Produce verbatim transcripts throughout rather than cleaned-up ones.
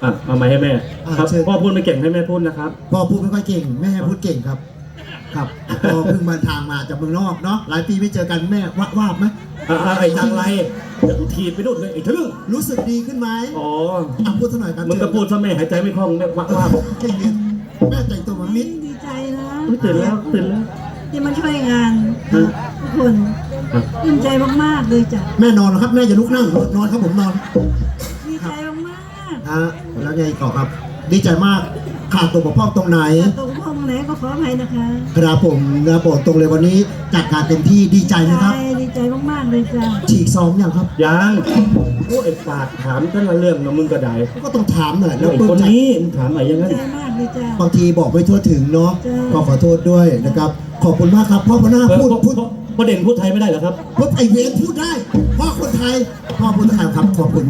อ่ะเอาไม้ให้แม่อ่ะครับเชิญพ่อพูดไม่เก่งให้แม่พูดนะครับพ่อพูดไม่ค่อยเก่งแม่พูดเก่งครับ ครับพ่อเพิ่งมาทางมาจากเมืองนอกเนาะหลายปีไม่เจอกันแม่ว่าว่าบไหมอ่ะอ่ะไอ้จังไรเดี๋ยวกูถีบไปนู่นเลยไอ้ทะลึ่งรู้สึกดีขึ้นไหมอ๋ออ่ะพูดสักหน่อยครับมึงก็พูดซะแม่หายใจไม่คล่องแม่ว่าว่าเก่งเนี่ยแม่แต่งตัวเหมือนมิตรดีใจนะอุ๊ยตื่นแล้วตื่นแล้วที่มาช่วยงานฮะทุกคนฮะดีใจมากๆเลยจ้ะแม่นอนเหรอครับแม่จะลุกนั่งนอนครับผมนอนดีใจมากฮะแล้วไงต่อครับ ดีใจมากขาดตัวบกพร่องตรงไหนๆตรงพ่อตรงไหนก็ขออภัยนะคะครับผมนะโปรดตรงเลยวันนี้จัดการเต็มที่ดีใจนะครับใช่ดีใจมากๆเลยจ้ะฉีกซ้อมยังครับยังโอ้ไอ้ปากถามแต่ละเรื่องนะมึงก็ได้ก็ต้องถามหน่อยแล้แล้ว วไอ้ปลื้คมนใจนี้มึงถามอะไรอยังดีงั้นใจมากเลยจ้ะบางทีบอกไม่ทั่วถึงเนาะจ้ะก็ขอโทษด้วยนะครับ ขอบคุณมากครับพ่อพน้าเออพูดพ่อพูดพ่อพ่อเด่นพูดไทยไม่ได้เหรอครับพูดไอเวนพูดได้พ่อคนไทยพ่อพูดไทยครับขอบคุณ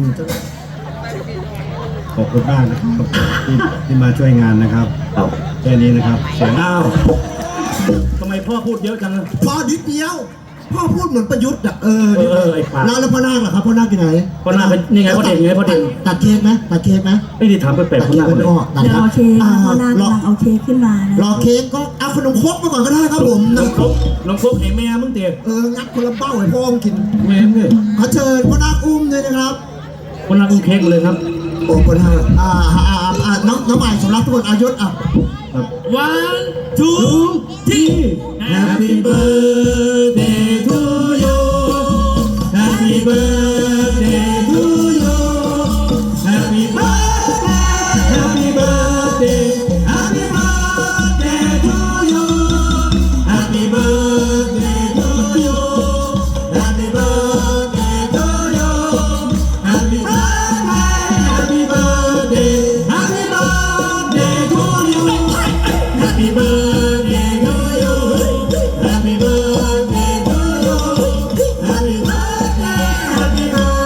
ขอบคุณมากนะครับที่ที่มาช่วยงานนะครับเอาแค่นี้นะครับเสียงอ้าวทำไมพ่อพูดเยอะจังอะพ่อนิดเดียวพ่อพูดเหมือนประยุทธ์อ่ะเออเออเออไอ้ปากแล้วแล้วพ่อนาคล่ะครับพ่อนาคอยู่ไหนพ่อนาคเป็นนี่ไงพ่อเด่นไงพ่อเด่นตัดเค้กไหมตัดเค้กไหมไอ้ที่ถามแปลกๆตัดคนเค้หกน้าไม่เลยออกตัดเดี๋ยวครับเอาเค้กอ่าพ่อนาครอกำลังเอาเค้กขึ้นมานะรอเค้กก็เอาขนมครกมาก่อนก็ได้ครับผมน้องครกน้องครกเห็นแม่มึงเตี๋ยเอองัดคนละเป้าให้พ่อมกินแม่มึงเนี่ยขอเชิญพ่อนาคอุ้มเลยนะครับคนรักอุ้มเค้กมาเลยครับโอ้คนห้าอ่าอ่าอ่าอ่าน้องน้องใหม่สำรับทุกคนอายุอ่ะครับ one two three Happy birthday to you Happy birthday to you Happy birthday Happy birthday Happy birthday to you Happy birthday to you Happy birthday to you Happy birthday Happy birthday Happy birthday to you Happy birthday to you Happy birthday to you Happy birthday Happy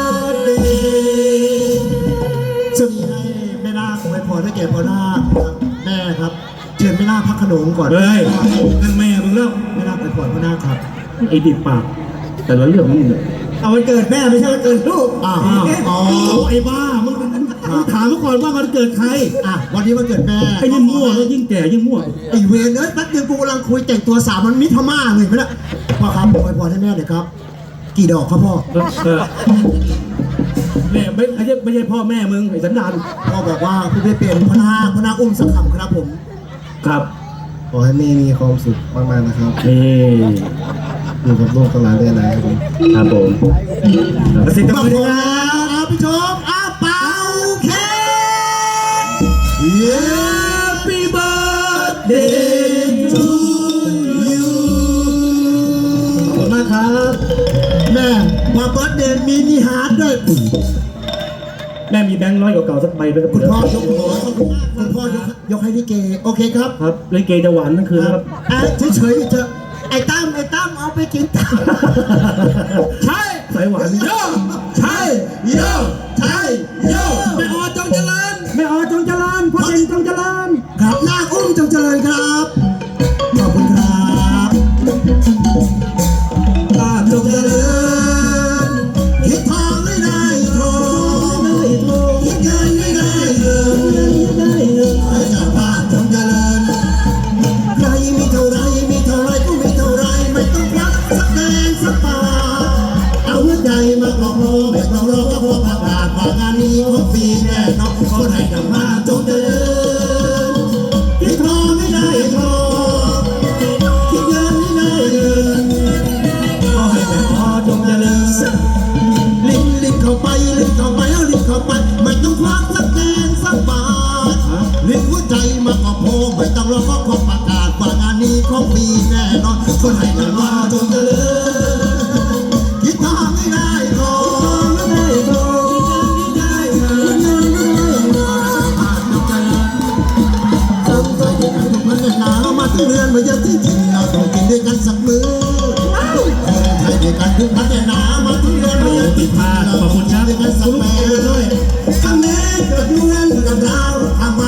birthday ซึ่งให้แม่นาคอวยพรให้แก่พ่อนาคครับแม่ครับเชิญแม่นาคพักขนมก่อนเฮ้ยนั่นแม่มึงแล้วแม่นาคอวยพรพ่อนาคครับไอ้ดิบปากแต่ละเรื่องมันเนี่ยเอาวันเกิดแม่ไม่ใช่วันเกิดลูกอ่าอ๋อโอ้ไอ้บ้ามึงมึงถามมาก่อนว่ามันเกิดใครอ่ะวันนี้วันเกิดแม่ไอ้นี่มั่วแล้วยิ่งแก่ยิ่งมั่วไอ้เวรเอ้ยแป๊บเดียวกูกำลังคุยแต่งตัวสาวมันมิตรพม่าเลยไหมล่ะพ่อครับอวยพรให้แม่หน่อยครับ กี่ดอกครับพ่อเออเนี่ยไม่ไม่ใช่ไม่ใช่พ่อแม่มึงไอ้สันดานพ่อบอกว่าคุณไม่เป็นพ่อนาคพ่อนาคอุ้มสักคำครับผมครับขอให้แม่มีความสุขมากๆนะครับนี่อยู่กับลูกกับหลานได้นานครับผมครับผมกระสิบขกอบระคุสิณบครับพี่ชมอ้าเป่าเค้กเย้ Happy birthday to you ขอบคุณมากครับแม่มาเบิร์ดเดย์มินิฮาร์ดด้วยแม่มีแบงค์ร้อยเก่าๆสักใบด้วยครับคุณพ่อยกหัวคุณพ่อยกยกให้พี่เกโอเคครับครับเลยเกจะหวานทั้งคืนนะครับอ่ะเฉยๆเถอะไอ้ตั้มไอ้ตั้มเอาไปกินตั้มใช่สายหวานโยใช่โยใช่โยแม่ออจงเจริญแม่อ๋อจงเจริญพ่อเด่นจงเจริญครับนาคอุ้มจงเจริญครับขอบคุณครับนาคจงเจริญคิดทองไม่ได้ทองคิดเงินไม่ได้เงินให้เจ้าภาพจงเจริญใครมีเท่าไรมีเท่าไรก็มีเท่าไรไม่ต้องรักสักแดงสักบาทเอาหัวใจมาครอบครองไม่ต้องรอก็พอประกาศว่างานนี้ของฟรีแน่นอนคนให้เจ้าภาพจงเจริญคิดทองไม่ได้ทองคิดเงินไม่ได้เงินก็ให้แต่พอจงเจริญลิ้นลิ้นเข้าไปลิ้นเข้าไปเอาลิ้นเข้าไปไม่ต้องควักสักแดงสักบาทลิ้นหัวใจมาก็พอไม่ต้องรอก็ขอประกาศว่างานนี้ของฟรีแน่นอนคนให้เจ้าภาพจงเจริญคิดทองไม่ได้ทองไม่ได้ทองคิดเงินไม่ได้เงินคิดเงินไม่ได้เงินผ่านจงเจริญ ต้องใจเย็นทุกคนหนาวมาถึงเรือนมาเยอะที่จริงเราต้องกินด้วยกันสักมื้อคนไทยด้วยกันทุกพันหนาวมาถึงเรือนมาเยอะที่จริงเราต้องกินด้วยกันสักแม่ด้วยคำแม่เกิดอยู่เรือนกับเราทำไม